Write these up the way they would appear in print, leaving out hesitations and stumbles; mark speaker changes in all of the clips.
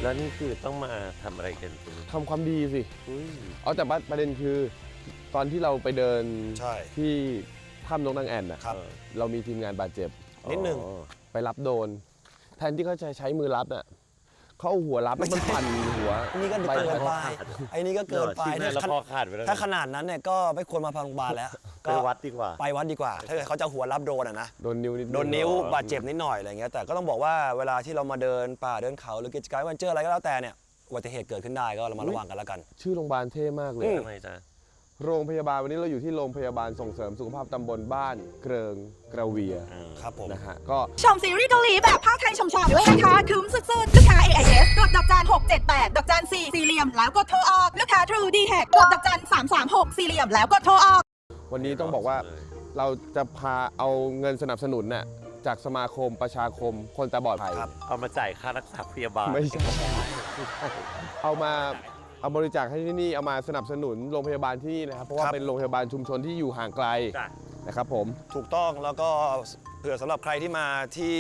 Speaker 1: แล้วนี่คือต้องมาทำอะไรกัน
Speaker 2: ทำความดีสิ
Speaker 1: เอา
Speaker 2: แต่ประเด็นคือตอนที่เราไปเดิน
Speaker 3: ใช่
Speaker 2: ที่ถ้ำนกนางแอ่นนะครับ เรามีทีมงานบาดเจ็บ
Speaker 3: นิดนึง
Speaker 2: ไปรับโดนแทนที่เขาจะใช้มือรับน่ะเขาเอาหัวรับแล้วมันปั่นหัว
Speaker 3: นี่ก็เกินไปไอ้นี่ก็เกินไป
Speaker 1: แล้วคอขาดไปแล้ว
Speaker 3: ถ้าขนาดนั้นเนี่ยก็ไม่ควรมาโรงพยาบาลแล้ว
Speaker 1: ไปวัดดีกว่า
Speaker 3: ไปวัดดีกว่าถ้าเกิดเขาจะหัวรับโดนนะ
Speaker 2: โดนนิ้วนิด
Speaker 3: โดนนิ้วบาดเจ็บนิดหน่อยอะไรเงี้ยแต่ก็ต้องบอกว่าเวลาที่เรามาเดินป่าเดินเขาหรือกิจกรรมวันเจออะไรก็แล้วแต่เนี่ยอุบัติเหตุเกิดขึ้นได้ก็เรามาระวังกันแล้วกัน
Speaker 2: ชื่อโรงพยาบาลเท่มากเลย
Speaker 1: ทำไมจ๊ะ
Speaker 2: โรงพยาบาลวันนี้เราอยู่ที่โรงพยาบาลส่งเสริมสุขภาพตำบลบ้านเกริงกระเวีย
Speaker 3: ครับผม
Speaker 2: นะฮะก็
Speaker 4: ชมซีรีส์เกาหลีแบบภาคไทยชมๆด้วยนะคะคุ้มสุดๆลูกค้า AIS กดดอกจัน678ดอกจัน4สี่เหลี่ยมแล้วกดโทรออกลูกค้า True d t a c กดดอกจัน336สี่เหลี่ยมแล้วกดโทรออก
Speaker 2: วันนี้ต้องบอกว่าเราจะพาเอาเงินสนับสนุนน่ะจากสมาคมประชาคมคนตาบอดไทย
Speaker 1: เอามาจ่ายค่ารักษาพยาบาล
Speaker 2: ไม่ใช่เอาบริจาคให้ที่นี่เอามาสนับสนุนโรงพยาบาลที่นี่นะครับเพราะว่าเป็นโรงพยาบาลชุมชนที่อยู่ห่างไกลนะครับผม
Speaker 3: ถูกต้องแล้วก็เผื่อสำหรับใครที่มาที่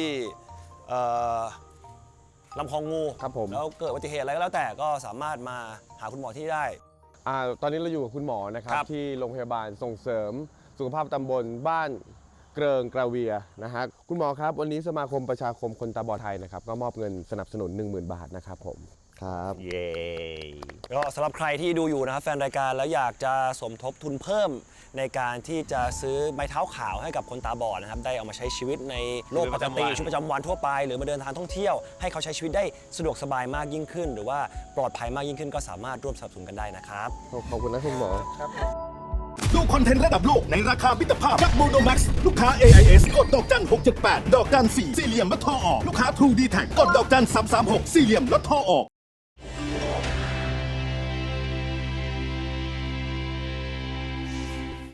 Speaker 3: ลำคลองงู
Speaker 2: ครับผม
Speaker 3: แล้วเกิดอุบัติเหตุอะไรก็แล้วแต่ก็สามารถมาหาคุณหมอที่ได้
Speaker 2: ตอนนี้เราอยู่กับคุณหมอนะครับที่โรงพยาบาลส่งเสริมสุขภาพตำบลบ้านเกริงกระเวียนะฮะคุณหมอครับวันนี้สมาคมประชาคมคนตาบอดไทยนะครับก็มอบเงินสนับสนุน 10,000 บาทนะครับผมครับ
Speaker 1: เย้
Speaker 3: ก็สำหรับใครที่ดูอยู่นะครับแฟนรายการแล้วอยากจะสมทบทุนเพิ่มในการที่จะซื้อไม้เท้าขาวให้กับคนตาบอดนะครับได้เอามาใช้ชีวิตในโลกปกติชีวิตประจำวันทั่วไปหรือมาเดินทางท่องเที่ยวให้เขาใช้ชีวิตได้สะดวกสบายมากยิ่งขึ้นหรือว่าปลอดภัยมากยิ่งขึ้นก็สามารถร่วมสนับสนุนกันได้นะครับ
Speaker 2: ขอบคุณนะคุณหมอ
Speaker 3: ครับ
Speaker 5: ดูคอนเทนต์ระดับโลกในราคามิตรภาพจากโมโนแม็กซ์ลูกค้า AIS กดดอกจัน678ดอกจัน4สี่เหลี่ยมลดโทรออกลูกค้า True d t a c กดดอกจัน336สี่เหลี่ยมลดโทรออก